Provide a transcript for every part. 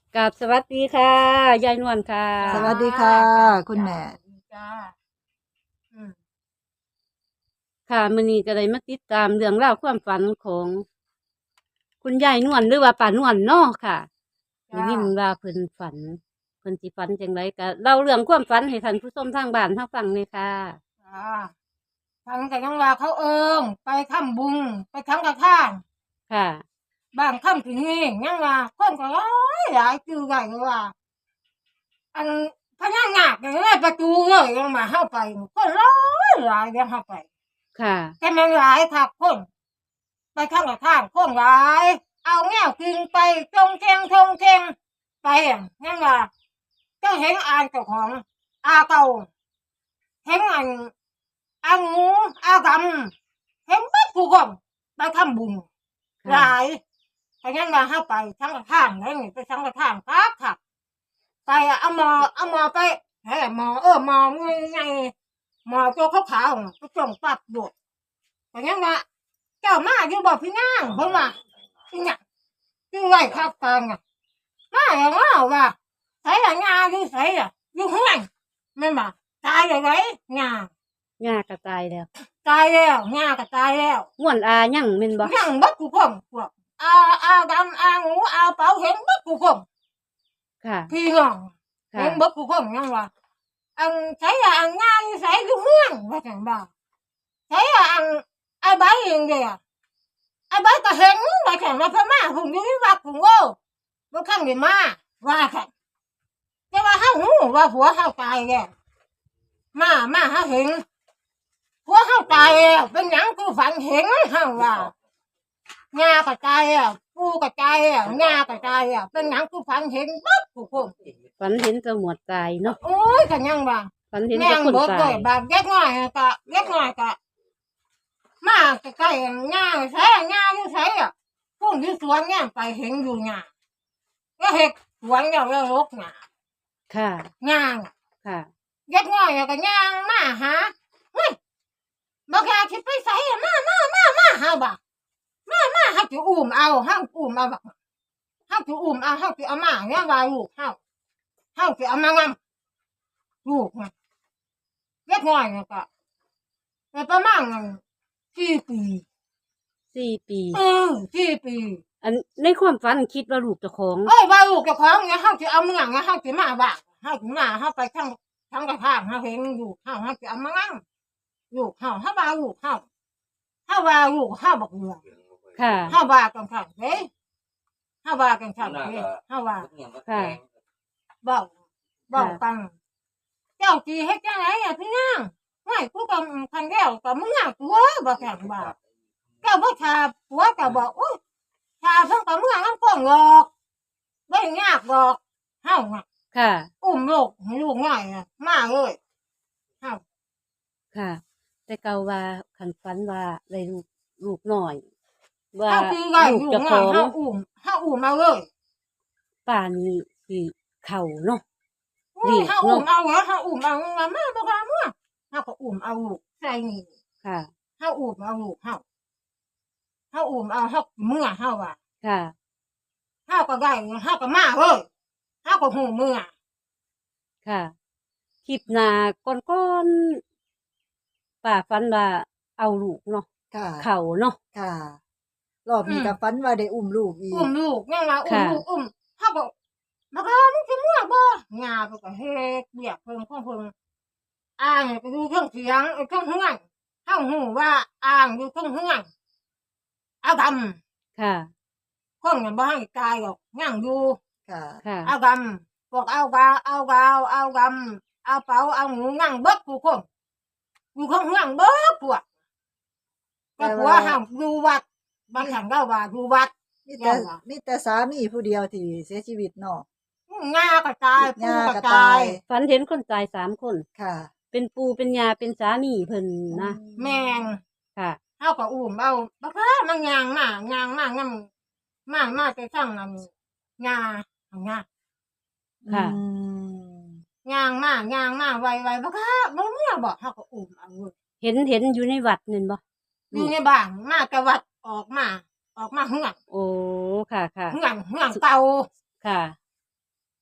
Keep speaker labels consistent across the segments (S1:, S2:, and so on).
S1: กับสวัสดีค่ะยายนวลค่ะ
S2: สวัสดีค่ะ
S3: จ้า
S2: คุณแม่
S3: สวัสดีจ้าอืม
S1: ค่ะมื้อนี้ก็ได้มาติดตามเรื่องราวความฝันของคุณยายนวลหรือว่าป้านวลเนาะค่ะได้
S3: จ้า
S1: ยินว่าเพิ่นฝันเพิ่นสิฝันจังไดก็เล่าเรื่องความฝันให้ท่านผู้ชมทางบ้านทางฟังเลยค่ะ
S3: จ้าฟังแต่ยังว่าเขาไปทำบุญไปทำกระท่าน
S1: ค่ะ
S3: บางค่ำถึงนี่ยังว่าคนก็หลายจือใหญ่เลยว่าอันพญานาคอย่างไรประตูเลยยังมาเข้าไปคนหลายยังเข้าไป
S1: ค่ะ
S3: แต่มันหลายค่ะคนไปทำกระท่านคนหลายเอาแง่กินไปทงเทงไปอ่ะยังว่าเจ้าเห็นอ่านเจ้าของอาเก่า เห็นอันอางูอาดำเห็นบัดผู้คนไปทำบุญห
S1: ค่ะ
S3: ลายเพราะงั้นมาห้าไปทั้งกระท่างแล้วนี่ไปทั้งกระท่างครับค่ะไปอะเอาหมอไปเฮ้ยหมอไงหมอตัวขาวๆน่ะไปส่งปัดบวกเพราะงั้นว่าเจ้ามาอยู่บอกพี่นางเพิ่นว่าพี่นางอยู่ไว้ครับกลางอ่ะมาอย่างว่าใส่ละงาอยู่ใส่อ่ะอยู่ข้างในแม่นบ่ตายเลยไว้งา
S1: ย่ากระตายแล้ว
S3: ตายแล้วง่าก็ตายแล้ว
S1: ม่วนอายังแม่นบ่
S3: ยังบัดกูพ่องพวกอาดำอางูอาเป๋าเห็นบัดกูพ่อง
S1: ค่ะ
S3: พี่น้องเห็
S1: ค่ะ
S3: นบัดกูพ่องยังว่าอันใช้อันง่ายใช้อยู่เมืองว่าจังบ่าใช้อันไอ้ใบเองเดียไอ้ใบก็เห็นว่าจังว่าพม่าผมอยู่ที่วัดผมโอ้บ่ข้างนี่มาว่าค่ะแต่ว่าเฮาหูว่าผัวเฮาตายแล้วมาเฮาเห็นผัวเฮาตายแล้วเป็นหยังกูฝันเห็นเฮาว่า งากระจายปูกระจายงากระจายเป็นหนังกูฝันเห็นบัดกูคง
S1: ฝันเห็นแตหมวดตายเนาะ
S3: โอ้ยกันยังว่า
S1: ฝันเห็น
S3: แม่
S1: แต่คน
S3: งเบิดเล
S1: ตาย
S3: ยบางเล็กน้อยกะมาใกล้ๆงาใช่งาอยู่ใช่พวกอยู่สวนเนี่ยไปเห็นอยู่งาก็เห็ดสวนแล้วรกงา
S1: ค่ะ
S3: งา
S1: ค่ะ
S3: เล็กน้อยก็ย่างมาหาเฮ้ยบอกอยากสิไปใส่มาหาบ่มาเฮาสิอุ้มเอาเฮาอุ้มเอาบักเฮาสิอุ้มเอาเฮาสิเอามาเนี่ยว่าลูกเฮาสิเอามางำลูกน่ะเล็กน้อยน่ะก็แต่ประมาณ4 ปี
S1: 4 ปี
S3: 4 ปี
S1: อันในความฝันคิดว่าลูกเจ้าของ
S3: เอ้ยว่าลูกเจ้าของเนี่ยเฮาสิเอาเมืองเนี่ยเฮาสิมาบ้านเฮาสิมาเฮาไปทางกระทางเฮาเห็นอยู่เฮาสิเอามางำลูกเฮาว่าลูกเฮาว่าลูกเฮาบักเมือง
S1: ค่ะ
S3: เฮาว่ากันคั่นเด้เฮาว่ากันคั่นเด้เฮาว่า
S1: ค่ะ
S3: เว้าเว้ากันเจ้าสิเฮ็ดจังไดพี่นางห้วยกูก็คันแล้วก็มึงอะตัวบ่แข็งบ่าเจ้าบ่ทาผัวก็บอกโอ๊ยทาเพิ่นก็มึงนำก้องหรอกบ่ยากดอกเฮาน่ะ
S1: ค่ะ
S3: อุ้มลูกให้ลูกน้อยน่ะมาเลยเฮา
S1: ค่ะ แต่เก่าว่าคันฝันว่าได้ลูกน้อย ว่า
S3: เฮาคือว่า
S1: ลูก
S3: ลูก
S1: เจ้าขอ
S3: น้อย
S1: ง
S3: เฮาอุ้มมาเลย
S1: ป่านนี้สิเข้าเนาะ
S3: โอ้
S1: เรียก
S3: ยเฮาอุ้ม
S1: เนาะ
S3: เอาเหรอเฮาอุ้มเอามาบ่ว่ามาเฮาก็อุ้มเอาลูกใส่นี่
S1: ค่ะ
S3: เฮาอุ้มเอาลูกเฮาอุ้มเอาเฮาเมื่อเฮาว่า
S1: ค่ะ
S3: เฮาก็ได้เฮาก็มาเว้ยเฮาก็ฮู้เมื่อ
S1: ค่ะคลิปหน้าก่อนๆป้าฝันว่าเอาลูกเนาะ
S2: ค่ะ
S1: เข้าเนาะ
S2: ค่ะรอบนี้ก็ฝันว่าได้อุ้มลูกอี
S3: อุ้
S2: ก
S3: มลูกยังว่าอุ้ม
S1: ค่ะ
S3: ลูกเฮาก็บักฮามึงสิเมื่อบ่ย่าเพิ่นก็เฮ็ดเวียกเพิ่นของเพิ่นอ้างไปดูเครื่องเสียงเครื่องเฮือนเฮาฮู้ว่าอ้างอยู่เครื่องเฮือนเอาดำ
S1: ค่ะ
S3: คนน่ะบ่ให้ตายหรอกยังอยู่
S2: ค่ะ
S1: ค่ะ
S3: เอาดำพวกเอากาเอากาวเอาดำเอาเป๋าเอาหมูนั่งเบิดผู้คนอยู่ข้างเฮือนเบิดพวกก็ผัวห้ามอยู่วัดบางครั้งเราว่าอยู่วัด
S2: มีแต่มีแต่สามีผู้เดียวที่เสียชีวิตเนาะ
S3: งาก็ตายปู
S2: ย่า
S3: ก็
S2: ก็
S3: ตา
S2: ตาย ย
S1: ฝันเห็นคนตาย3 คน
S2: ค่ะ
S1: เป็นปู่เป็นย่าเป็นสามีเพิ่นนะ
S3: แม่ง
S1: ค่ะ
S3: เฮาก็อุ้มเอาบักฮามันย่างมานำมาแต่ทั้งนั้นงา
S1: ค่ะ
S2: อืม
S3: ย่างมาไวๆบักฮาบ่เมื่อบ่เฮาก็อุ้มเอาเว้ย
S1: เห็นอยู่ในวัดนั่นบ่
S3: อยู่ในบ้านมาแต่วัดออกมาเฮือน
S1: โอ้ค่ะค่ะ
S3: เฮือนเก่า
S1: ค่ะ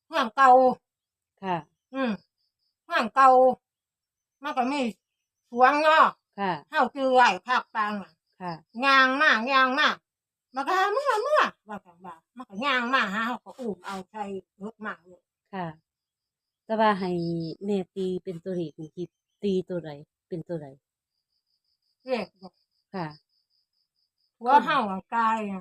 S3: เมืองเก่า
S1: ค่ะ
S3: เมืองเก่ามันก็มีสวนเนาะ
S1: ค่ะ
S3: เฮาคือไว้ภาคกลางน่ะ
S1: ค่ะ
S3: ย่างมามันก็หาเมื่อว่าจังว่ามันก็ย่างมาหาเฮาก็อุ้มเอาใส่รถมาเลย
S1: ค่ะ แต่ว่าให้แม่ตีเป็นตัวเลขนี่สิตีตัวใดเป็นตัวใด
S3: เรียกบอก
S1: ค่ะ
S3: หัวเฮาอะกายอะ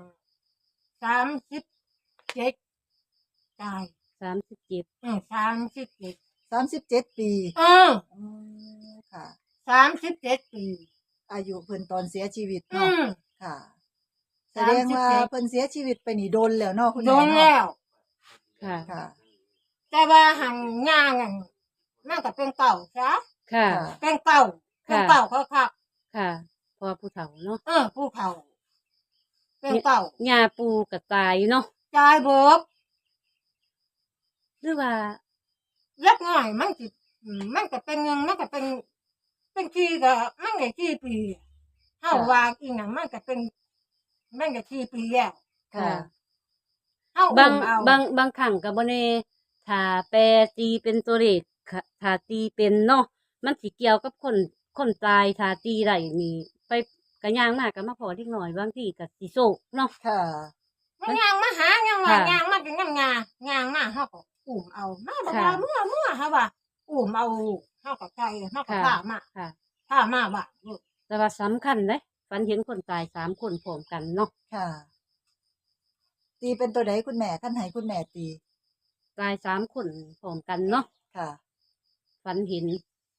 S3: 37กาย
S1: 37
S3: 37
S2: 37 ปี
S3: อือ
S2: อืมค่ะ
S3: 37 ปี
S2: อายุเพิ่นตอนเสียชีวิต
S3: อื
S2: เนาะ
S3: ม
S2: ค่ะ แสดงว่า
S3: 37
S2: เพิ่นเสียชีวิตไปนี่โดนแล้วเนาะคุณ
S3: โด
S2: แม่
S3: น
S2: เนาะ
S3: แล้ว
S1: ค่ะ
S2: ค่ะ
S3: แต่ว่าหันย่างอะมันก็เป็นเก่าซะ
S1: ค่ะ
S2: ค่ะ
S3: เป็นเก่าเป็นเก่าคัก
S1: ค่ะเพอผู้เฒ่าเนาะ
S3: ๆผู้เฒ่าเป็นเก่า
S1: ย่าปูก็ตายเนาะ
S3: จ่ายเบิก
S1: หรือว่า
S3: เล็กน้อยมันสิมันก็เป็นเงินมันก็เป็นกี่ก็มันก็กี่ปีเฮาว่าอีหยังมันก็กี่ปีแล้ว
S1: ค่ะ
S3: เฮา
S1: บา
S3: อุ้
S1: ง
S3: มเอา
S1: บางครั้งก็บ่แน่ถ้าแปรตีเป็นตัวเลขค่ะถ้าตีเป็นเนาะมันสิเกี่ยวกับคนตายถ้าตีได้นี่ไปก็ย่างมาก็มาพอเล็กน้อยบางทีก็สิโศกเนาะ
S2: ค่ะ
S3: มันย่างมาหายังว่า
S1: ค่ะ
S3: ย่างมาเป็นงาย่างมาเฮาก็อุ้มเอามาบ่
S1: ค่ะ
S3: ว่าเมื่อเฮาว่าอุ้มเอาเฮาก็ใจเฮาก็
S1: ค่ะ
S3: พามา
S1: ค่ะ
S3: พามาบ้านลูก
S1: แต่ว่าสำคัญเด้ฝันเห็นคนตาย3คนพร้อมกันเนาะ
S2: ค่ะ ตีเป็นตัวใดคุณแม่คันให้คุณแม่ตี
S1: ตาย3คนพร้อมกันเนาะ
S2: ค่ะ
S1: ฝันเห็น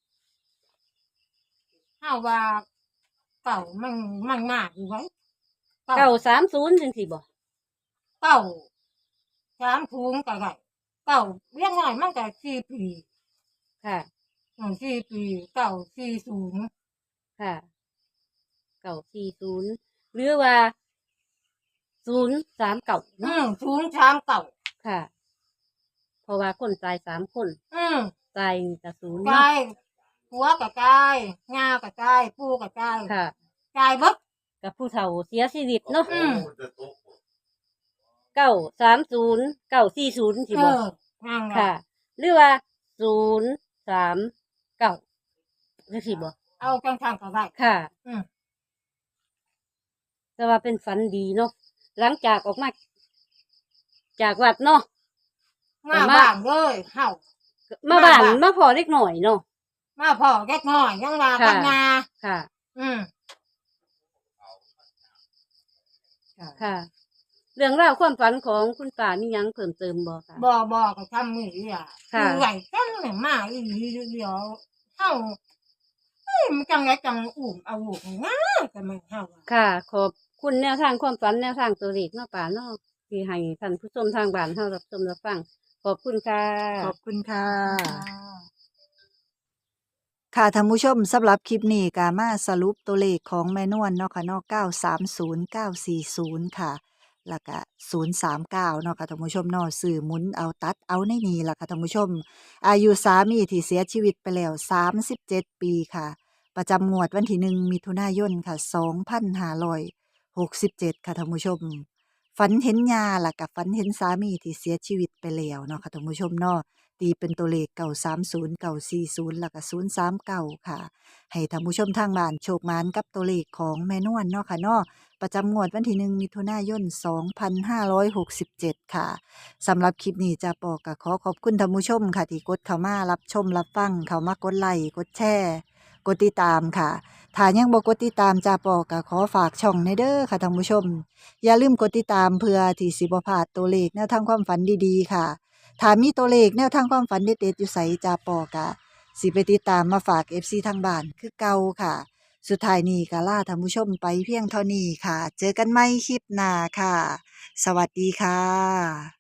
S3: เฮาว่าเก่ามันมากอยู่ไว้
S1: 930จังซี่บ่
S3: เก่า3ถุงก็ได้เก่าเลี้ยงน้อยมันก็4ปี
S1: ค่ะ
S3: 4ปีเก่า40
S1: ค่ะ940หรือว่า039เนาะ
S3: ถุง39
S1: ค่ะ เพราะว่าคนตาย3คน ตายกับศูนย์
S3: กา
S1: เนาะ
S3: ยหัวก็กายงาก็กายปูก็กาย
S1: ค่ะ
S3: กายเบิด
S1: กับผู้เฒ่าเสียชีวิตเนาะ
S3: อืม
S1: 930 940สิบ่
S3: นั่ง
S1: ค่ะ หรือว่า039จังซี่บ่
S3: เอาจังทางก็ได้
S1: ค่ะ
S3: อืม
S1: แต่ว่าเป็นฝันดีเนาะหลังจากออกมาจากวัดเนาะ
S3: มาบ้านเลยเฮา
S1: มาบ้าน
S3: มาบ้าน
S1: มาพอเล็กหน่อยเนาะ
S3: มาพ่อแกกน้อยยังว่า
S1: ค่ะ
S3: กันงา
S1: ค่ะ
S3: อืม
S2: ค่ะ
S1: ค่ะ เรื่องราวความฝันของคุณป้ามีหยังเพิ่มเติมบ่คะ
S3: บ่ก็ทำมืออ่ะ
S1: ค่ะ
S3: คือไหวกันเนี่ยมาอีหลีเดียวเฮามันจังไดจังอุ้มเอาลูกง่ายก็มันเฮาอะ
S1: ค่ะ ขอบคุณแนวทางความฝันแนวทางตัวเลขเนาะป่าเนาะที่ให้ท่านผู้ชมทางบ้านเฮารับชมรับฟัง ขอบคุณค่ะ
S2: ขอบคุณค่ะ ค่ะท่านผู้ชมสำหรับคลิปนี้ก็มาสรุปตัวเลขของแม่นวลเนาะค่ะเนาะ930 940 ค่ะ แล้วก็039เนาะค่ะท่านผู้ชมเนาะซื้อหมุนเอาตัดเอาในนี้ล่ะค่ะท่านผู้ชม อายุสามีที่เสียชีวิตไปแล้ว37 ปีค่ะ ประจำงวดวันที่1มิถุนายนค่ะ2567ค่ะท่านผู้ชม ฝันเห็นยาล่ะกับฝันเห็นสามีที่เสียชีวิตไปแล้วเนาะค่ะท่านผู้ชมเนาะตีเป็นตัวเลข930 940แล้วก็039ค่ะให้ท่านผู้ชมทางบ้านโชคหมานกับตัวเลขของแม่นวลเนาะค่ะเนาะประจำงวดวันที่1มิถุนายน2567ค่ะสำหรับคลิปนี้จะปอก็ขอขอบคุณท่านผู้ชมค่ะที่กดเข้ามารับชมรับฟังเข้ามากดไลค์กดแชร์กดติดตามค่ะถ้ายังบ่กดติดตามจะปอก็ขอฝากช่องในเด้อค่ะท่านผู้ชม อย่าลืมกดติดตามเพื่อที่สิบ่พลาดตัวเลขแนวทางความฝันดีๆค่ะ ถ้ามีตัวเลขแนวทางความฝันเด็ดๆอยู่ไสจาปอกะสิไปติดตามมาฝาก FC ทางบ้านคือเก่าค่ะ สุดท้ายนี้ก็ลาท่านผู้ชมไปเพียงเท่านี้ค่ะ เจอกันใหม่คลิปหน้าค่ะ สวัสดีค่ะ